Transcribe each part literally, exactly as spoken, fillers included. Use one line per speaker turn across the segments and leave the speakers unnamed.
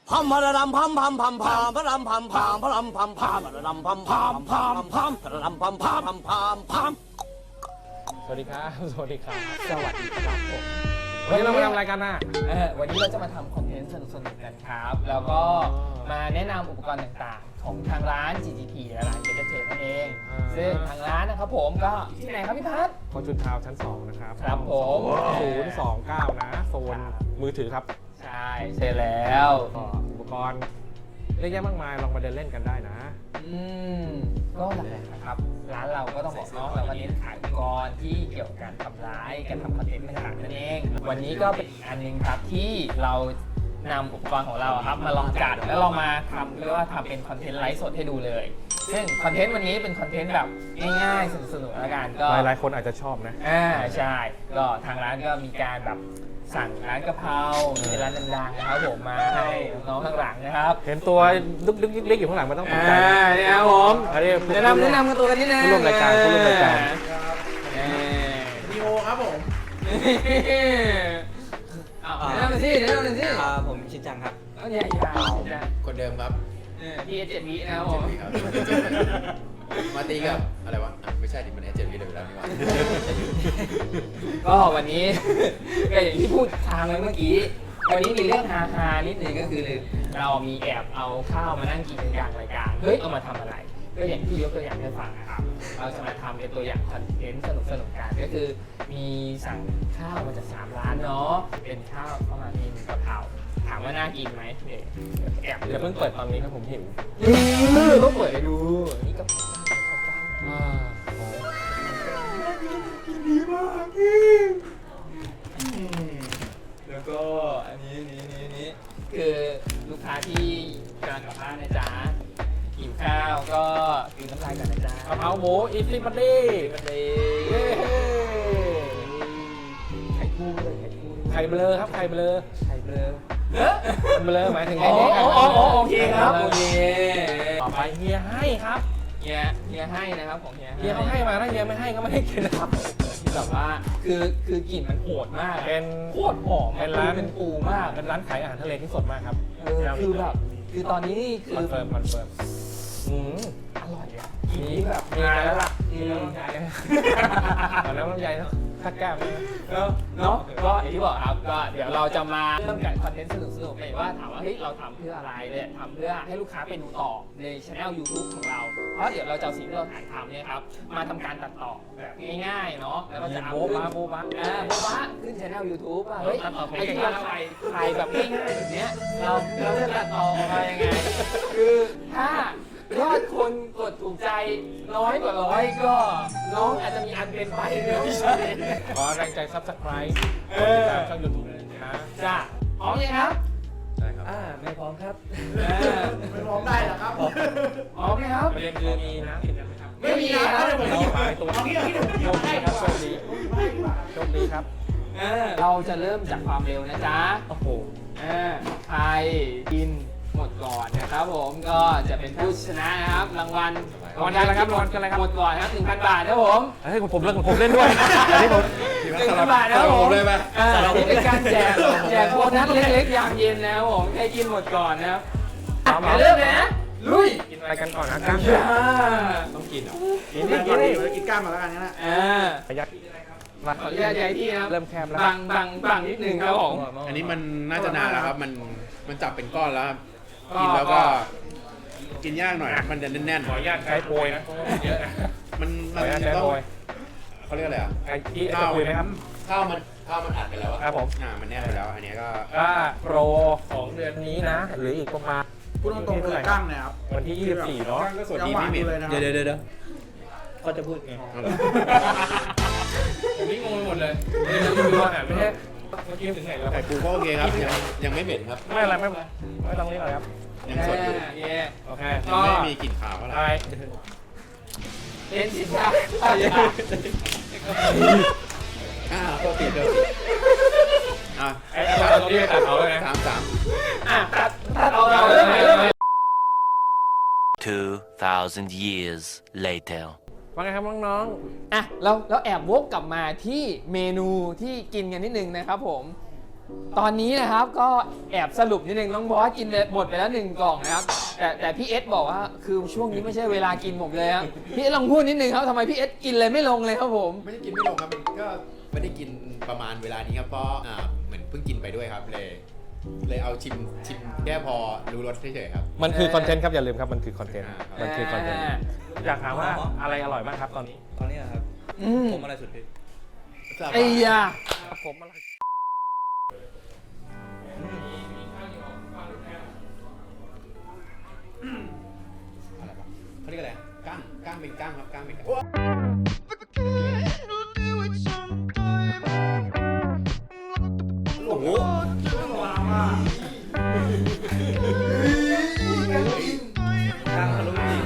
พัมพะระดำพัมพัมพัมพามพะรำพัมพามพะรำพัมพามพะระดำพัมพามพามพามพะระดำพัมพามพัมพามพาม
สวัสดีครับสวัสดีครับ
สวัสดีครับผม
วันนี้เรามาทำอะไรกันน่ะ
เออวันนี้เราจะมาทำคอนเทนต์สนุกๆกันครับ แล้วก็มาแนะนำอุปกรณ์ต่างๆ ของทางร้าน จี จี พี และร้านเบเกอร์เทนั่นเอง ซึ่งทางร้านนะครับผมก็ที่ไหนครับพี่พัฒน์
ฟอร์จูนทาวน์ชั้นสองนะครับ
ครับผม
ศูนย์สองเก้านะโซนมือถือครับ
ใช่ใช่แล้ว
ก็อุปกรณ์เยอะแยะมากมายลองมาเดินเล่นกันได้นะ
อืมก็หลักๆนะครับร้านเราก็ต้องบอกเนาะเราก็เน้นขายอุปกรณ์ที่เกี่ยวกับการทำร้ายการทำคอนเทนต์ต่างๆนั่นเอง วันนี้ก็เป็นอันหนึงครับที่เรานำอุปกรณ์ของเราครับมาลองจัดแล้วเรามาทำเรียกว่าทำเป็นคอนเทนต์ไลฟ์สดให้ดูเลยซึ่งคอนเทนต์วันนี้เป็นคอนเทนต์แบบง่ายๆสนุกๆแล้วกันก็
หลายๆคนอาจจะชอบนะ
อ่าใช่ก็ทางร้านก็มีการแบบสั่งร้านกะเพราเป็นร้านดังๆนะครับผมมาให้น้องๆข้างหลังนะครับ
เห็นตัวดึกดึกเล็กๆอยู่ข้างหลังมันต้องตกใจ
อ่า
นะ
เนี่ยครับผม
อันนี้
แนะนำแนะนำกันตัวกันนิดนึง
ผู้ร่วมรายการผู้ร่วมรายการ
ดีโอครับผมแนะนำหน่อยสิแนะนำหน่อยสิ
อ่าผมชินจังครับ
เอาใหญ่ๆใหญ่
คนเดิมครับ
ๆพี่เอเจ็ดวินะครับผม
ครับ มาตีกับอะไรวะอ่ะไม่ใช่ดิมันแอเจนวีเลยแล้วนี่หว่า
ก็วันนี้ ก็อย่างที่พูดทางไว้เมื่อกี้ วันนี้มีเรื่องฮาๆนิดนึงก็คือเรามีแอบเอาข้าวมานั่งกินกันกลางรายการเฮ้ยเอามาทำอะไร ก็อย่างที่ยกตัวอย่างให้ฟังนะครับ เราจะมาทำเป็นตัวอย่างคอนเทนต์สนุกๆกันก็คือมีสั่งข้าวมาจากสามร้านเนาะเป็นข้าวประมาณนี้หนึ่งกะเพราถามว่าน่ากินไหมเดี๋ยวแอบ
อย่าเพิ่งเปิดตอนนี้ครับผมหิว
ต้องเปิดให้ดูนี่กะเพราอ่าแล้วก็อันนี้นี้นี้นี้คือลูกค้าที่กำลังกลับบ้านนะจ๊ะหิวข้าวก็กินน้ำลายกันนะจ๊ะ
กะเพราหมูอีซี่บัดดี้
กันเลยไข่คู่เลยไข่คู่
ไข่เบลอครับไข่เบลอ
ไข่เบลอ
มันเบลอหมายถึง
อ๋
ไอ้
อ
นี่
อ๋ออ๋อโอเคครับโอเค
ต่อไปเฮียให้ครับ
เฮียเฮียให้นะครับของเฮีย
เฮียเขาให้มาถ้าเฮียไม่ให้ก็ไม่ให้กินนะครับ
ที่แบบว่าคือคือกลิ่นมันโหดมาก
เป็น
โคตรหอม
เป็นร้าน
เป็นปูมาก
เป็นร้านขายอาหารทะเลที่สดมากครับ
เออคือแบบคือตอนนี้นี่คื
คอน
อ
เฟิร์มคอนเฟิร์มอืม
อร่อยอ่ะทีนี้แบบ
มีแล้วล่ะ
อืม
ตอนนั้นลำไยทักแก้มนะ
แล้วเนาะก็อย่างที่บอกครับก็เดี๋ยวเราจะมาเริ่มกับคอนเทนต์สนุกๆเลยว่าถามว่าเฮ้ยเราทำเพื่ออะไรเนี่ยทำเพื่อให้ลูกค้าไปดูต่อในช่อง YouTube ของเรา เพราะเดี๋ยวเราจะเอาสิ่งที่เราถ่ายทำเนี่ยครับมาทำการตัดต่อแบบง่ายๆเนาะแล้วก็จะอัพ
โบ๊ะ
ขึ้น
บ้าโบ๊ะบ้า
อ่าโบ๊ะบ้าขึ้นช่อง YouTube อ่ะเฮ้ย
ตัดต่อผม
ไอ้
เก่ง
ที่
มา
เรา
ก
ถ่ายถ่ายแบบง่ายๆแบบเนี้ยเราเราจะตัดต่อออกมายังไง คือถ้ายอดคนกดถูกใจน้อยกว่าร้อยก็น้องอาจจะมีอันเป็นไปเนี่ยไม่ใช่
ขอแรงใจซับสไครต์
เอก
ด
อ
ติดตามช่องยูทูบเลยนะ
จ้ะพร้อมยังครับ
ใช่ครับ
อ่าไม่พร้อมครับไม่พร้อมได้หรอครับพร้อมไหมครับ
ประเด็นคือมีน้ำกินกันไหมครับ
ไม่มีครับ
เราไปตัวโชคดีครับโชคดีโชคดีครับ
เออเราจะเริ่มจากความเร็วนะจ๊ะ
โอ้โห
เออใครกินหมดก่อนนะครับผมก็จะเป็นผู้ชนะนะครับรางวัล
รางวัลอะไรครับรางวัลอะไรครับ
หมดก่อนนะครับหนึ่งพันบาทนะครับผม
เฮ้ยผมเล่นผมเล่นด้วยอันนี้ผม
หนึ่งพันบาทนะครับผม
เลยไหม
อ่านี่เป็นการแจกแจกโบนัสเล็กๆยามเย็นนะครับผมใครกินหมดก่อนนะครับอ่ะเดี๋ยวเริ่มเลยนะลุย
กินอะไรกันก่อนนะกล้าม
อ่า
ต้องกินเหรอ
กินนี่กินนี่
กินก้ามมาแล้วกันนะ
อ่า
ประหยัดมา
ขออนุญาตย้ายที่นะครับ
เริ่มแคบแล้ว
บังบังบังนิดนึงครับผม
อันนี้มันน่าจะนานแล้วครับ มันมันจับเป็นก้อนแล้วครับ
ก็
กินแล้วก็กินยากหน่อย มันจะแน่น
ขออนุญาตใช้โปรยนะเยอะนะ
ๆมัน
ขอ
มัน
อนุญาต
จะ
ใช้
ต้อง
โปรย
เขาเรียกอะไรอ่ะ
ไอ้ที่จะคุยไหมครับ
ข้าวมันข้าวมันอัดไปแล้วอะ
ครับผม
อ่ามันแน่นไปแล้ว อันนี้ก็
ก็โปรของเดือนนี้นะหรืออีกประมาณ
พูดตรงๆเลยก้างเนี่ยครับ
วันที่ยี่สิบสี่เนาะ
ก็สวัสดีพี่เหม็น
เลยนะ
เดี๋ยวเดี๋ยวเดี๋ยว
ก็จะพูดไง
เอาเหรอ
ผมนี่งงไปหมดเลยเดี๋ยวจะดูอาหารไม่ใช่เมื่อกี้ถึงไหนแล้ว
ไข่ปูก็โอเคครับ ยังยังไม่เหม็นครับ
ไม่อะไรไม่เป็นไรไม่ต้องนี้หรอกครับ
ยังสดอยู่
เย่
โอเค
ยังไม่มีกลิ่นขาวเท่าไหร่
ไป
เป็นสินค้า
อ่าโทษทีโทษทีอ่ะ
ไอ้ตอนนี้ตัดเอาเลยนะ
สามสาม
อ่ะตัดตัดเอาเราเริ่มใหม่เริ่มใหม่
Two thousand years later.
ว่าไงครับน้อง
อ่ะเราเราแอบวกกลับมาที่เมนูที่กินกันนิดนึงนะครับผมตอนนี้นะครับก็แอบสรุปนิดนึงน้องบอสกินหมดไปแล้วหนึ่งกล่องนะครับแต่แต่พี่เอสบอกว่าคือช่วงนี้ไม่ใช่เวลากินผมเลยครับพี่เอสลองพูดนิดนึงครับทำไมพี่เอสกินเลยไม่ลงเลยครับผม
ไม่ได้กินไม่ลงครับมันก็ไม่ได้กินประมาณเวลานี้ครับเพราะอ่าเหมือนเพิ่งกินไปด้วยครับเลยเลยเอาชิมชิมแค่พอรู้รสเฉยๆครับ
มันคือคอนเทนต์ครับอย่าลืมครับมันคือคอนเทนต์
อ่า
มันคือคอนเทนต์อยากถามว่าอะไรอร่อยบ้างครับตอนนี้
ตอนนี้นะครับ
อืม
ผมอะไรสุดพี่
ไอ้ยา
ผมอะไร
อะไรวะเขาเรียกอะไรก้างก้างเป็นก้างครับก้างเป็นก้างโอ้โหก้างทะลุจริง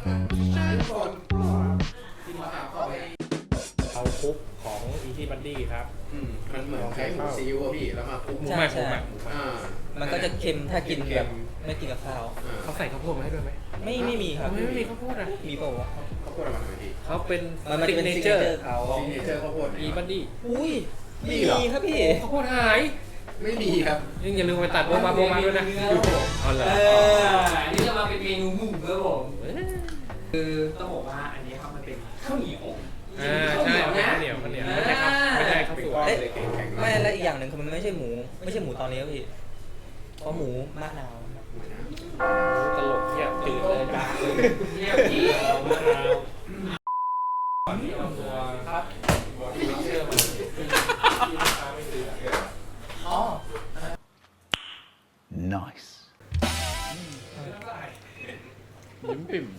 เอาคุกของอีทีบันดี้ครับ
อืมมันเหมือนใช้หมูซีอิ๊วอะพี่แล้วมาคลุก
หมู
ใช่
ใหม่หมู
ใช่
ใหม่
อ่า
มันก็จะเค็มถ้ากิน
เค็
แบ
ม
บไม่กินกับข้าว
อ่า
เขาใส่ข้าวโพดมาให้ด้วยไหม
ไม่ไม่มีครับ
ทำไมไม่มีข้าวโพดอ่ะ
มีเปล่าวะ
ข้าวโพดเอามาทำไมพี่
เขาเป็น
มันมันเป็น
เน
ซิก
เจ
เน
อ
เจอ
ร์
ร์เขา
ซิกเนเจอร์ข้าวโพด
อีบันดี้
อุ้ย
มี
มี
เหรอ
ครับพี่
ข้าวโพดหาย
ไม่มีครับ
ยังอย่าลืมไปตัดโบมาโบมาด้วยนะเอาเลย
เอออันนี้จะมาเป็นเมนูหมูครับผมคือต้องบอกว่าอันนี้ครับมันเป็นข้าวเหนียว
อ่าใช่ข้าวเหนียวข้าวเหนียวไม่ใช่ครับไม่ใช่ข้าวสวย
เอ๊ะ
แข็งๆ
ไม่และอีกอย่างหนึ่งคือมันไม่ใช่หมู ไม่ใช่หมูตอนนี้ครับพี่เพราะหมูมะนาว
ตลกเที่ยตื่นเลยจ้า
เรียบดี
มะนาวครับเชื่อมันที่ราคาไม่ซื้อ
อ๋อ
Nice.
ยิ้มปิ่ม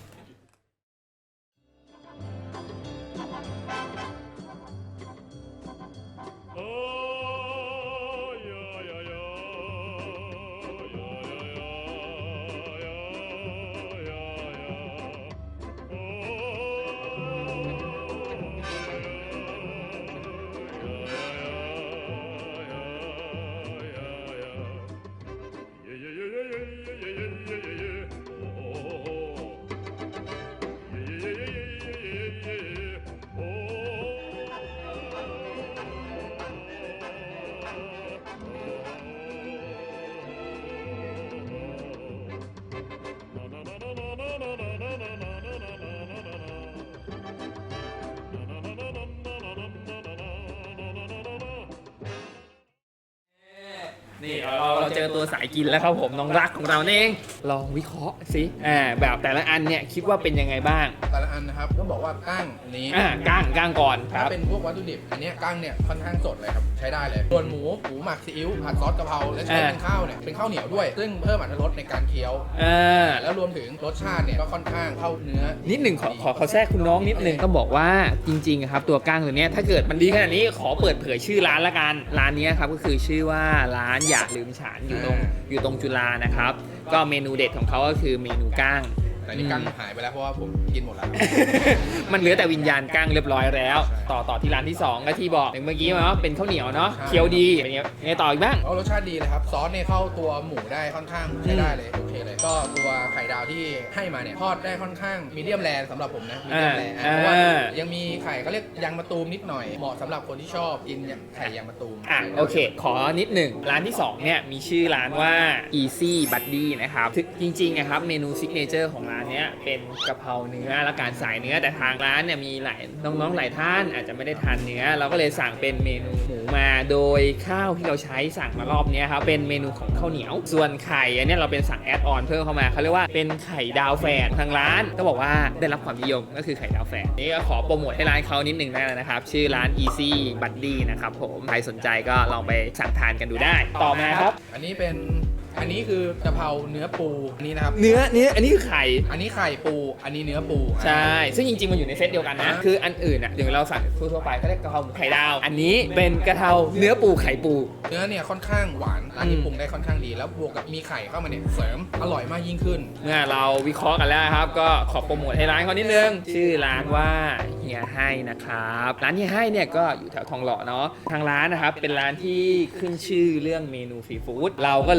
นี่เราเราเจอตัวสายกินแล้วครับผมน้องรักของเราเองลองวิเคราะห์สิอ่าแบบแต่ละอันเนี่ยคิดว่าเป็นยังไงบ้าง
แต่ละอันนะครับก็บอกว่าก้างอันนี้
อ่าก้างก้างก่อนค
ถ้า
รับ
เป็นพวกวัตถุดิบอันเนี้ยก้างเนี่ยค่อนข้างสดเลยครับใช้ได้เลยส่วนหมูหมูหมักซีอิ๊วผัดซอสกะเพราและใช้
อ่า
เป็นข้าวเนี่ยเป็นข้าวเหนียวด้วย ซึ่งเพิ่มอรรถรสในการเคี้ยว
อ่า
แล้วรวมถึงรสชาติเนี่ยก็ค่อนข้างเข้าเนื้อ
นิดหนึ่งขอขอขอแทรกคุณน้องนิดหนึ่งต้องบอกว่าจริงๆครับตัวก้างตัวเนี้ยถ้าเกิดมันดีขนาดนี้ขอเปิดเผยชื่อร้านละกันร้านเนี้ยครับก็คือชื่อว่าร้านอย่าลืมฉันอยู่ตรงอยู่ตรงจุฬานะครับก็เมนูเด็ดของเขาก็คือเมนูก้าง
แต่นี่ก้างหายไปแล้วเพราะว่าผมกินหมดแล้ว
มันเหลือแต่วิญญาณก้างเรียบร้อยแล้ว
ใช่
ต่อต่อที่ร้านที่สองก็ที่บอกเมื่อกี้มาว่าเป็นข้าวเหนียวเนาะ
ใช่
เคี้ยวดีเป็นไงไงต่ออีกบ้าง
เอารสชาติดีเลยครับซอสเนี่ยเข้าตัวหมูได้ค่อนข้างใช้ได้เลยโอเคเลย ก็ตัวไข่ดาวที่ให้มาเนี่ยทอดได้ค่อนข้างมีเดียมแรสำหรับผมนะมีเดียมแร
อ่า
เพราะว่า
อ่า
ยังมีไข่เขาเรียกยางมะตูมนิดหน่อยเหมาะสำหรับคนที่ชอบกินอย่างไข่ยางมะตูม
อ่ะโอเค ขอนิดหนึ่งร้านที่สองเนี่ยมีชื่อร้านว่า Easy Buddy นะครับซึ่งจริงๆนะครับเมนูซิกเนเจอร์ของร้านเนี้ยเป็นกะเพราเนื้อและการสายเนื้อแต่ทางร้านเนี่ยมีหลายน้องๆหลายท่านอาจจะไม่ได้ทานเนื้อ เราก็เลยสั่งเป็นเมนูหมูมาโดยข้าวที่เราใช้สั่งมารอบเนี้ยครับเป็นเมนูของข้าวเหนียว ส่วนไข่อันเนี้ยเราเป็นสั่งแอดออนเพิ่มเข้ามาเขาเรียกว่าเป็นไข่ดาวแฝดทางร้านก็บอกว่าได้รับความนิยมก็คือไข่ดาวแฝดนี่ก็ขอโปรโมทให้ร้านเขานิดหนึ่งได้แล้วนะครับชื่อร้าน Easy Buddy นะครับผมใครสนใจก็ลองไปสั่งทานกันดูได้ต่อมาครับ
อันนี้เป็นอันนี้คือกะเพราเนื้อปูอันนี้นะครับ
เนื้อเนื้ออันนี้คือไข่
อันนี้ไข่ปู อันนี้เนื้อปู
ใช่ ซึ่งจริงๆ มันอยู่ในเซตเดียวกันนะ คืออันอื่นอ่ะอย่างเราสั่งทั่วๆไปก็เรียกกะเพราหมูไข่ดาว อันนี้เป็นกะเพราเนื้อปูไข่ปู
เนื้อเนี่ยค่อนข้างหวานร้านนี้ปรุงได้ค่อนข้างดี แล้วบวกกับมีไข่เข้ามาเนี่ยเสริมอร่อยมากยิ่งขึ้น
เมื่อเราวิเคราะห์กันแล้วครับ ก็ขอโปรโมทให้ร้านเขานิดนึง ชื่อร้านว่าเฮียให้นะครับ ร้านเฮียให้เนี่ยก็อยู่แถวทองหล่อเนาะ ทางร้านนะครับเป็นร้านที่ขึ้นชื่อเรื่องเมนูซีฟู้ด เราก็เลย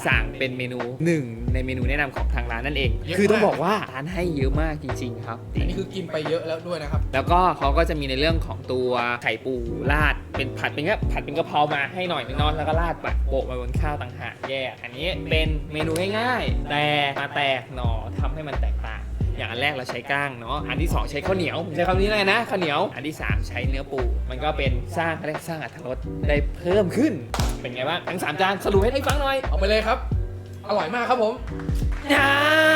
สั่งเป็นเมนูหนึ่งในเมนูแนะนำของทางร้านนั่นเอง
เยอะมาก
คือต้องบอกว่าร้านให้เยอะมากจริงๆครับ
อันนี้คือกินไปเยอะแล้วด้วยนะครับ
แล้วก็เขาก็จะมีในเรื่องของตัวไข่ปูราดเป็นผัดเป็นแค่ผัดเป็นกะเพรามาให้หน่อยนึงเนอนแล้วก็ราดปัดโปะมาบนข้าวต่างหากแยกอันนี้เป็นเมนูง่ายๆแต่มาแตกหน่อทำให้มันแตกต่างอย่างอันแรกเราใช้ก้างเนาะอันที่สองใช้ข้าวเหนียวผมใช้คำนี้เลยนะข้าวเหนียวอันที่สามใช้เนื้อปูมันก็เป็นสร้างเขาเรียกสร้างอรรถรสได้เพิ่มขึ้นเป็นไงบ้างทั้งสามจานสรุปให้ได้ฟังหน่อย
เอาไปเลยครับ อร่อยมากครับผม
อ่า